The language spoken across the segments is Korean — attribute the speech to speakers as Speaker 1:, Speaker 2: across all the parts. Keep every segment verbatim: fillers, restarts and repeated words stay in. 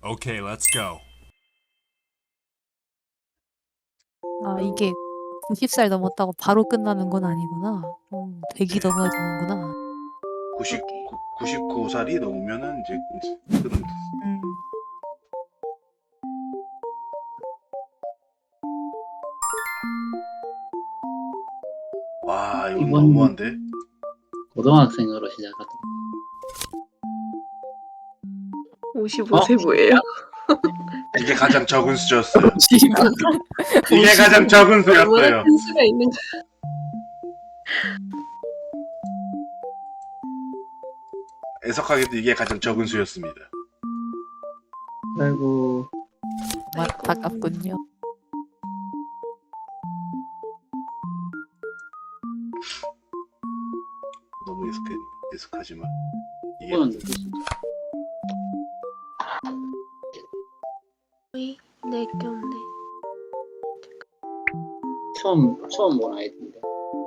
Speaker 1: Okay, let's go.
Speaker 2: 아 이게 구십 살 넘었다고 바로 끝나는 건 아니구나. 음, 되기 넘어야 되는구나.
Speaker 3: 구십구, 구십구 살이 넘으면은 이제 끊는
Speaker 2: 음.
Speaker 3: 와, 이건
Speaker 4: 이번-
Speaker 3: 너무한데?
Speaker 4: 고등학생으로 시작하다.
Speaker 5: 오십오 세 뭐예요?
Speaker 3: 이게 가장 적은 수였어요.
Speaker 2: 지금
Speaker 3: 이게 가장 적은
Speaker 5: 얼마나
Speaker 3: 수였어요.
Speaker 5: 큰 수가 있는가?
Speaker 3: 애석하게도 이게 가장 적은 수였습니다.
Speaker 4: 아이고,
Speaker 2: 안타깝군요.
Speaker 3: 너무 애석해, 애석하지만 이게
Speaker 4: 이거는 누구시죠?
Speaker 5: 어이, 내 껴인데.
Speaker 4: 처음 처음 본 아이디인데.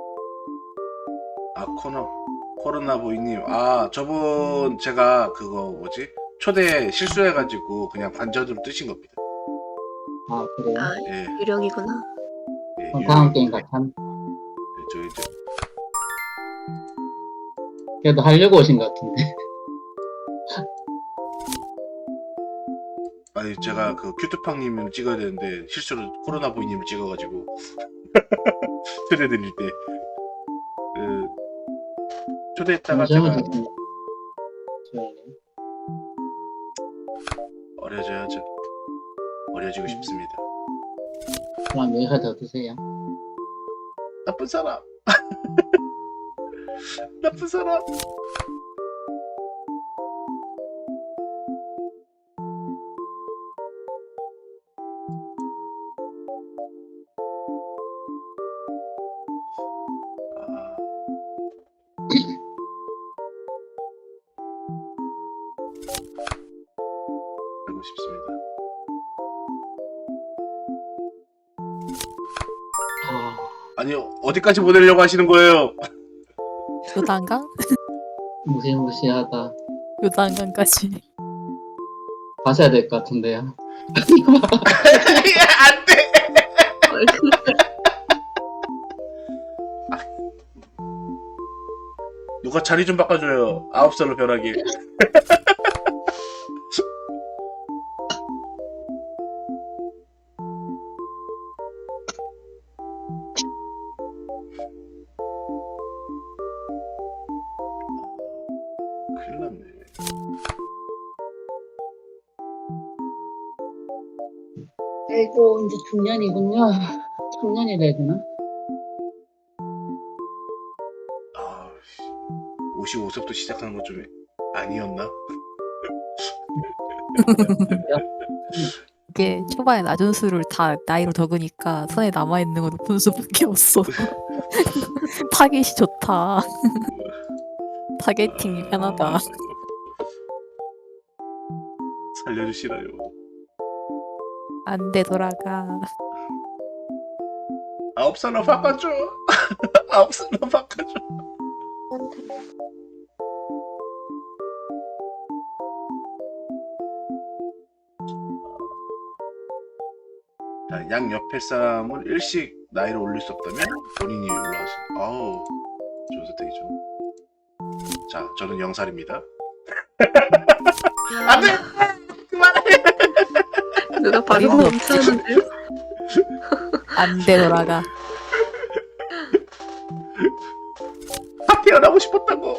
Speaker 3: 아 코너 코로나 보이님, 아 저분 제가 그거 뭐지 초대 실수해가지고 그냥 반전으로 뜨신 겁니다.
Speaker 4: 아 그래요?
Speaker 5: 아,
Speaker 3: 예,
Speaker 5: 유령이구나.
Speaker 3: 예,
Speaker 4: 어, 다음 게임
Speaker 3: 유명인데.
Speaker 4: 같은.
Speaker 3: 예, 저 이제
Speaker 4: 그래도 하려고 오신 것 같은데.
Speaker 3: 아니 제가 그 큐트팡님을 찍어야 되는데 실수로 코로나 보이님을 찍어가지고 초대드릴 때 그 초대했다가
Speaker 4: 잠시만
Speaker 3: 제가
Speaker 4: 잠시만. 잠시만요.
Speaker 3: 어려져야죠. 어려지고
Speaker 4: 음.
Speaker 3: 싶습니다.
Speaker 4: 그럼 여기서 더 드세요.
Speaker 3: 나쁜 사람. 나쁜 사람. 아, 알고 싶습니다.
Speaker 4: 아,
Speaker 3: 아니 어디까지 보내려고 하시는 거예요?
Speaker 2: 요단강?
Speaker 4: 무시무시하다.
Speaker 2: 요단강까지.
Speaker 4: 가셔야 될 것 같은데요.
Speaker 3: 안돼. 누가 자리 좀 바꿔줘요. 아홉 살로 변하게. 큰일 났네.
Speaker 4: 아이고 이제 중년이군요. 청년이 돼야 되나?
Speaker 3: 아, 오십오 세부터 시작하는 것 좀 아니었나?
Speaker 2: 이게 초반에 낮은 수를 다 나이로 적으니까 손에 남아있는 건 높은 수밖에 없어. 타겟이 좋다. 타겟팅이 편하다.
Speaker 3: 살려주시라요.
Speaker 2: 안 돼 돌아가.
Speaker 3: 아홉 살로 바꿔줘. 아홉 살로 바꿔줘. 자, 양 옆에 사람을 일씩 나이를 올릴 수 없다면 본인이 올라가시. 아우, 좋은 선택이죠. 자, 저는 영살입니다.
Speaker 5: 아,
Speaker 3: 안돼. 그만해.
Speaker 5: 누가 바로
Speaker 2: 이거
Speaker 5: 멈추는데요?
Speaker 2: 안 돼 돌아가.
Speaker 3: 다 태어나고 싶었다고.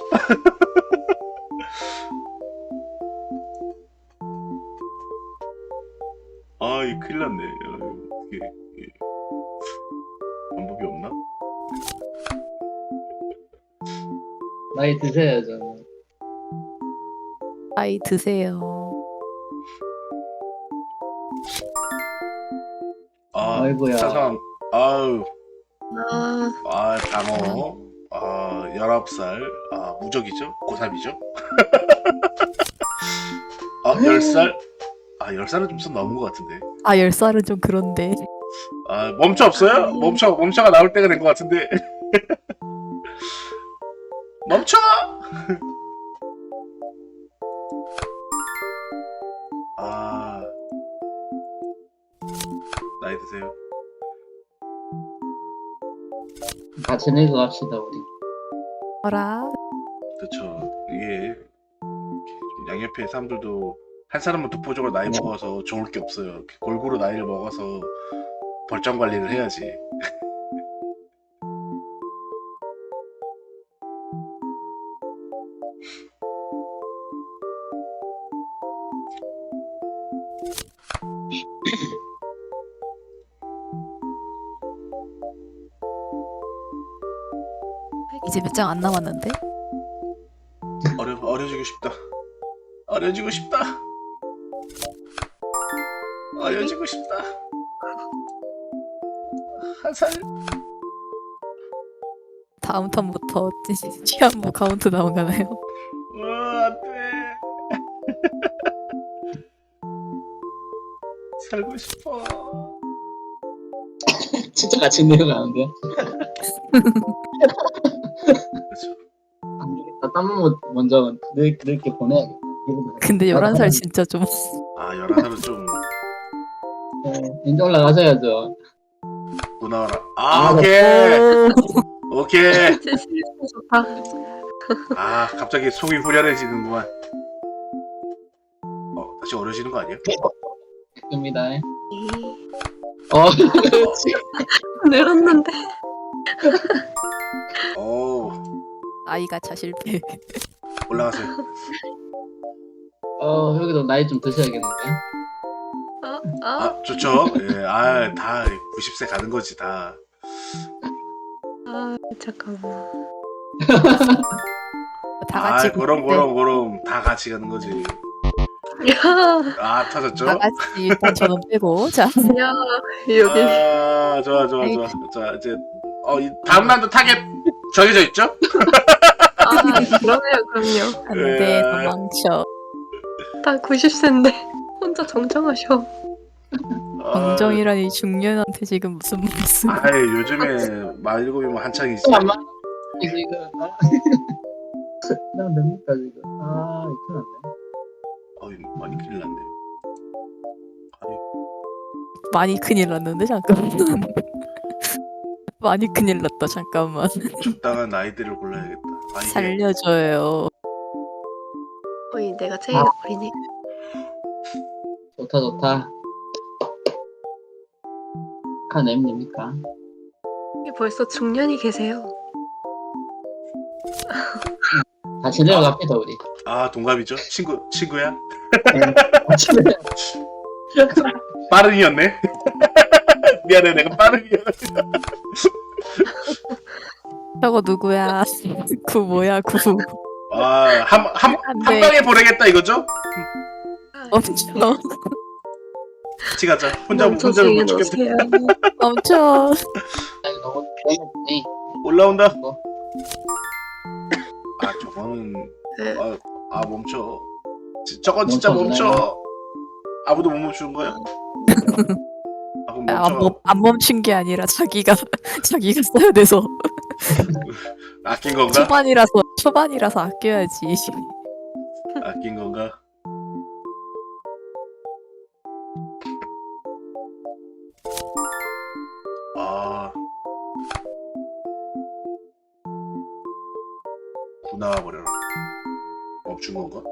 Speaker 3: 아, 이 큰일 났네. 아유, 이게, 이게 방법이 없나?
Speaker 4: 나이 드세요 저는.
Speaker 2: 나이 드세요.
Speaker 3: 아,
Speaker 4: 아이고야.
Speaker 3: 사상. 아유,
Speaker 5: 아,
Speaker 3: 아, 방어. 아, 열아홉 살. 아, 무적이죠? 고삼이죠? 아, 열 살? 아, 열 살은 좀 선 넘은 것 같은데.
Speaker 2: 아 열 살은 좀 그런데.
Speaker 3: 아, 멈춰 없어요? 멈춰, 멈춰가 나올 때가 된 것 같은데. 멈춰! 아, 나이 드세요.
Speaker 4: 같이 늙어갑시다 우리.
Speaker 2: 어라.
Speaker 3: 그쵸. 이게 양옆에 사람들도 한 사람은 독보적으로 나이
Speaker 4: 네.
Speaker 3: 먹어서 좋을 게 없어요. 골고루 나이를 먹어서 벌점 관리를 해야지.
Speaker 2: 이제 몇 장 안 남았는데?
Speaker 3: 어려 어려지고 싶다. 어려지고 싶다. 어려지고 싶다. 한 살.
Speaker 2: 다음 턴부터 취한부 카운트 나오나요?
Speaker 3: 어, 안돼. 살고 싶어.
Speaker 4: 진짜 같이 늙어가는데.
Speaker 3: 그렇죠.
Speaker 4: 안 되겠다. 땀 한번 먼저 늙, 늙게 보내야겠다.
Speaker 2: 근데 열한 살 진짜 좀
Speaker 3: 아 열한 살은 좀
Speaker 4: 네, 이제 올라가셔야죠.
Speaker 3: 무나와라. 아
Speaker 4: 아,
Speaker 3: 오케이
Speaker 2: 오,
Speaker 3: 오케이.
Speaker 5: 진짜 좋다.
Speaker 3: 아 갑자기 속이 후련해지는구만. 어 다시 어려지는 거 아니야?
Speaker 4: 됩니다.
Speaker 5: 네.
Speaker 4: 어,
Speaker 5: 늘었는데.
Speaker 3: 오
Speaker 2: 아이가 차 실패.
Speaker 3: 올라가세요.
Speaker 4: 어, 여기도 나이 좀 드셔야겠는데.
Speaker 5: 아, 아,
Speaker 3: 아 좋죠. 예, 아다 구십 세 가는 거지 다.
Speaker 5: 아, 잠깐만.
Speaker 2: 다
Speaker 3: 아
Speaker 2: 같이
Speaker 3: 그럼
Speaker 2: 그때
Speaker 3: 그럼 그럼 다 같이 가는 거지.
Speaker 5: 야,
Speaker 3: 아 터졌죠?
Speaker 2: 다 같이 일단 저는 빼고 자
Speaker 5: 야, 여기.
Speaker 3: 아 좋아 좋아 좋아. 자 이제 어 이, 다음 라운드 타겟 정해져 있죠?
Speaker 5: 아, 그러네요, 그럼요.
Speaker 2: 안돼
Speaker 3: 예.
Speaker 2: 도망쳐.
Speaker 5: 다 구십 세인데 혼자 정정하셔.
Speaker 3: 아,
Speaker 2: 정정이라니 중년한테 지금 무슨 말씀?
Speaker 3: 아이 요즘에 말일곱이면 한창이지.
Speaker 4: 안 맞, 지금. 아. 난 됩니까, 지금. 아, 이거 났네.
Speaker 3: 어이 많이 큰일 났네. 아이,
Speaker 2: 많이 큰일 났는데 잠깐만. 많이 큰일 났다 잠깐만.
Speaker 3: 적당한 나이들을 골라야겠다. 아, 이게
Speaker 2: 살려줘요.
Speaker 5: 어이, 내가 제일
Speaker 4: 아.
Speaker 5: 어리네.
Speaker 4: 좋다, 좋다. 카 내면 됩니까?
Speaker 5: 여기 벌써 중년이 계세요.
Speaker 4: 같이 내려갑시다, 우리.
Speaker 3: 아 동갑이죠? 친구 친구야?
Speaker 4: 같이 내려.
Speaker 3: 빠른이었네. 미안해 내가 빠른이야.
Speaker 2: 저거 누구야? 구 뭐야 구.
Speaker 3: 아한한 한,
Speaker 2: 안
Speaker 3: 한
Speaker 2: 돼.
Speaker 3: 방에 보내겠다 이거죠?
Speaker 2: 멈춰.
Speaker 3: 같이 가자. 혼자
Speaker 5: 멈춰
Speaker 3: 혼자는 못
Speaker 5: 주인
Speaker 3: 죽겠네.
Speaker 5: 오세요.
Speaker 2: 멈춰.
Speaker 4: 아니, 너무 재밌네.
Speaker 3: 올라온다.
Speaker 4: 뭐.
Speaker 3: 아 저거는
Speaker 5: 네.
Speaker 3: 아, 아 멈춰. 지- 저건 진짜
Speaker 4: 멈춰,
Speaker 3: 멈춰. 아무도 못 멈추는 거야. 아 그럼
Speaker 2: 안,
Speaker 3: 멈춰.
Speaker 2: 멈, 안 멈춘 게 아니라 자기가 자기가 써야 돼서
Speaker 3: 아낀 건가?
Speaker 2: 초반이라서 초반이라서 아껴야지.
Speaker 3: 아낀 건가? 아 나와 버려라. 멈춘 건가?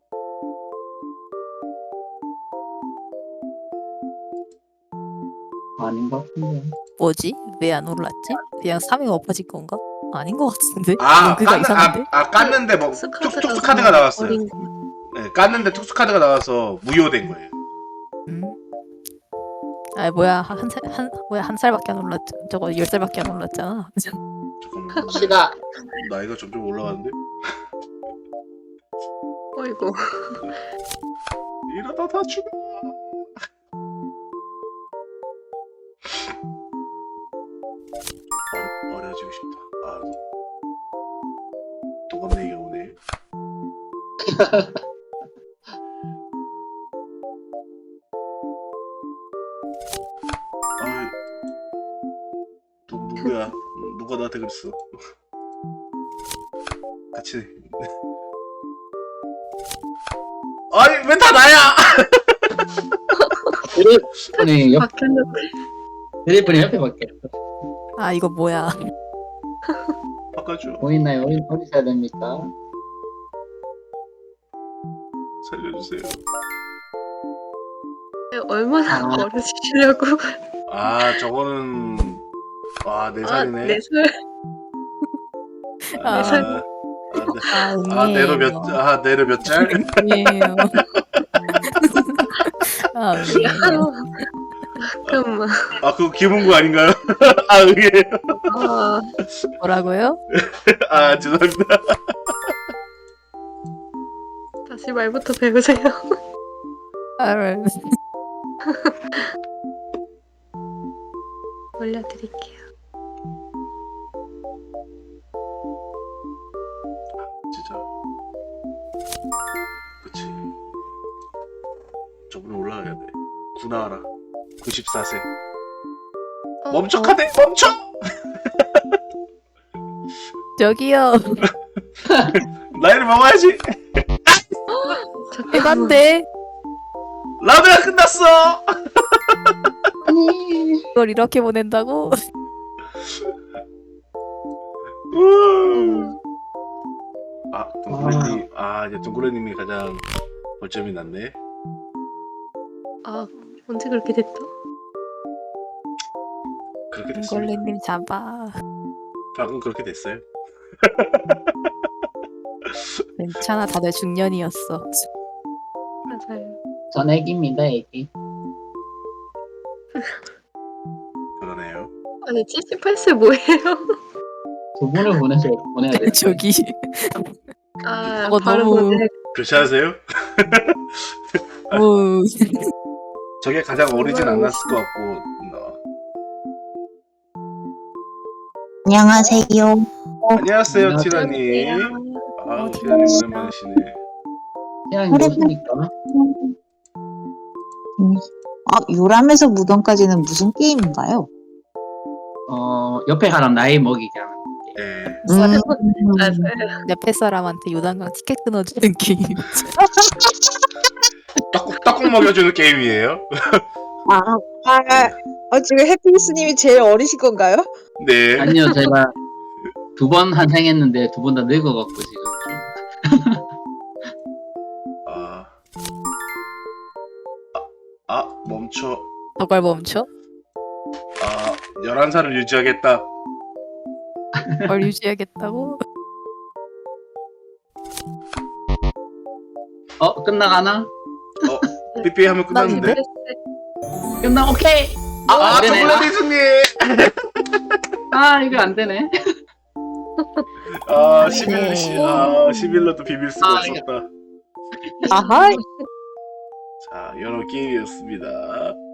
Speaker 4: 아닌 것 같은데.
Speaker 2: 뭐지? 왜 안 올랐지? 그냥 삼 위가 엎어진 건가? 아닌 것 같은데?
Speaker 3: 아,
Speaker 2: 그가
Speaker 3: 깠,
Speaker 2: 이상한데?
Speaker 3: 아, 아 깠는데 뭐
Speaker 5: 특수
Speaker 3: 툭,
Speaker 5: 카드라서
Speaker 3: 특수 카드가 나왔어요.
Speaker 5: 어린 거.
Speaker 3: 네, 깠는데 특수 카드가 나와서 무효된 거예요.
Speaker 2: 음. 아 뭐야 한 살 한 뭐야 한 살밖에 안 올랐죠. 저거 열 살밖에 안 올랐잖아.
Speaker 3: 잠깐만.
Speaker 4: 시다.
Speaker 3: 나이가 점점 올라가는데?
Speaker 5: 어이구.
Speaker 3: 이러다 다 죽어. 어려, 어려지고 싶다. 아, 동갑내 얘기가 오네. 아이, 누, 누구야? 음, 누가 나한테 그랬어? 같이. 아니 왜 다 나야?
Speaker 4: 드리프니 옆
Speaker 5: 바뀌었는데.
Speaker 4: 드리프니 옆에 바뀌었어.
Speaker 2: 아 이거 뭐야?
Speaker 3: 바꿔줘.
Speaker 4: 보이나요? 어디 어디 사야 됩니까?
Speaker 3: 살려주세요.
Speaker 5: 얼마나
Speaker 4: 아.
Speaker 5: 어려지시려고.
Speaker 3: 아 저거는 와 네
Speaker 5: 아,
Speaker 3: 살이네.
Speaker 5: 네 살.
Speaker 3: 아,
Speaker 2: 네 살.
Speaker 3: 아,
Speaker 2: 아
Speaker 3: 네. 아 내로 몇, 아 내로 몇 짤?
Speaker 2: 아니에요. 아
Speaker 5: 야,
Speaker 2: 아니에요.
Speaker 5: 잠깐만.
Speaker 3: 아 그거 김은구 아닌가요? 아 의외예요.
Speaker 5: 아,
Speaker 2: 뭐라고요?
Speaker 3: 아 죄송합니다.
Speaker 5: 다시 말부터 배우세요.
Speaker 2: 아,
Speaker 5: 올려드릴게요.
Speaker 3: 진짜. 그치. 저분은 올라가야 돼. 구나하라. 구십사 세.
Speaker 5: 어,
Speaker 3: 멈춰
Speaker 5: 어,
Speaker 3: 카데 멈춰.
Speaker 2: 저기요.
Speaker 3: 나이를 먹어야지.
Speaker 5: 잠깐만.
Speaker 2: 해반대.
Speaker 3: 라드가 끝났어.
Speaker 4: 아니.
Speaker 2: 이걸 이렇게 보낸다고?
Speaker 3: 우.
Speaker 5: 음,
Speaker 3: 아 둥그레님. 아 이제 둥그레님이 가장 벌점이 났네.
Speaker 5: 아, 언제 그렇게 됐다?
Speaker 3: 그렇게 됐습니다.
Speaker 2: 걸레님 잡아.
Speaker 3: 방금 그렇게 됐어요.
Speaker 2: 괜찮아 다들 중년이었어.
Speaker 5: 맞아요.
Speaker 4: 전 애기입니다, 애기.
Speaker 3: 그러네요.
Speaker 5: 아니, 칠십팔 세 뭐예요?
Speaker 4: 두 분을 보내서 보내야 돼.
Speaker 2: 저기
Speaker 5: 아,
Speaker 2: 저거
Speaker 5: 바로
Speaker 2: 너무-
Speaker 5: 보내.
Speaker 3: 괜찮으세요?
Speaker 2: 오
Speaker 3: 저게 가장 어리진 않았을 것 같고. 어.
Speaker 1: 안녕하세요.
Speaker 3: 안녕하세요
Speaker 4: 안녕하세요.
Speaker 3: 티라님. 아
Speaker 2: 어,
Speaker 3: 티라님 오랜만이시네.
Speaker 4: 태양이 무엇입니까?
Speaker 1: 음, 아, 요람에서 무덤까지는 무슨 게임인가요?
Speaker 4: 어, 옆에 사람 나이 먹이게 하는.
Speaker 3: 예.
Speaker 1: 음,
Speaker 5: 맞아요.
Speaker 2: 옆에 사람한테 요단강 티켓 끊어주는 게임.
Speaker 3: 떡국 떡국 먹여주는 게임이에요.
Speaker 1: 아, 아, 어, 지금 해피니스님이 제일 어리신 건가요?
Speaker 3: 네.
Speaker 4: 아니요, 제가 두 번 환생했는데 두 번 다 늙어갖고 지금 좀.
Speaker 3: 아. 아, 아 멈춰.
Speaker 2: 저걸 멈춰?
Speaker 3: 아 열한 살을 유지하겠다.
Speaker 2: 뭘 유지하겠다고?
Speaker 4: 어, 끝나가나?
Speaker 3: 어 삐삐 하면 끝났는데.
Speaker 4: 끝나, 오케이! 아,
Speaker 3: 아
Speaker 4: 안 되네.
Speaker 3: 둥그레 승리.
Speaker 4: 아, 이거 안 되네.
Speaker 3: 아 십일
Speaker 2: 네.
Speaker 3: 아 십일로도 비빌 수가
Speaker 4: 아,
Speaker 3: 없었다.
Speaker 1: 아하,
Speaker 3: 자 여러 게임이었습니다.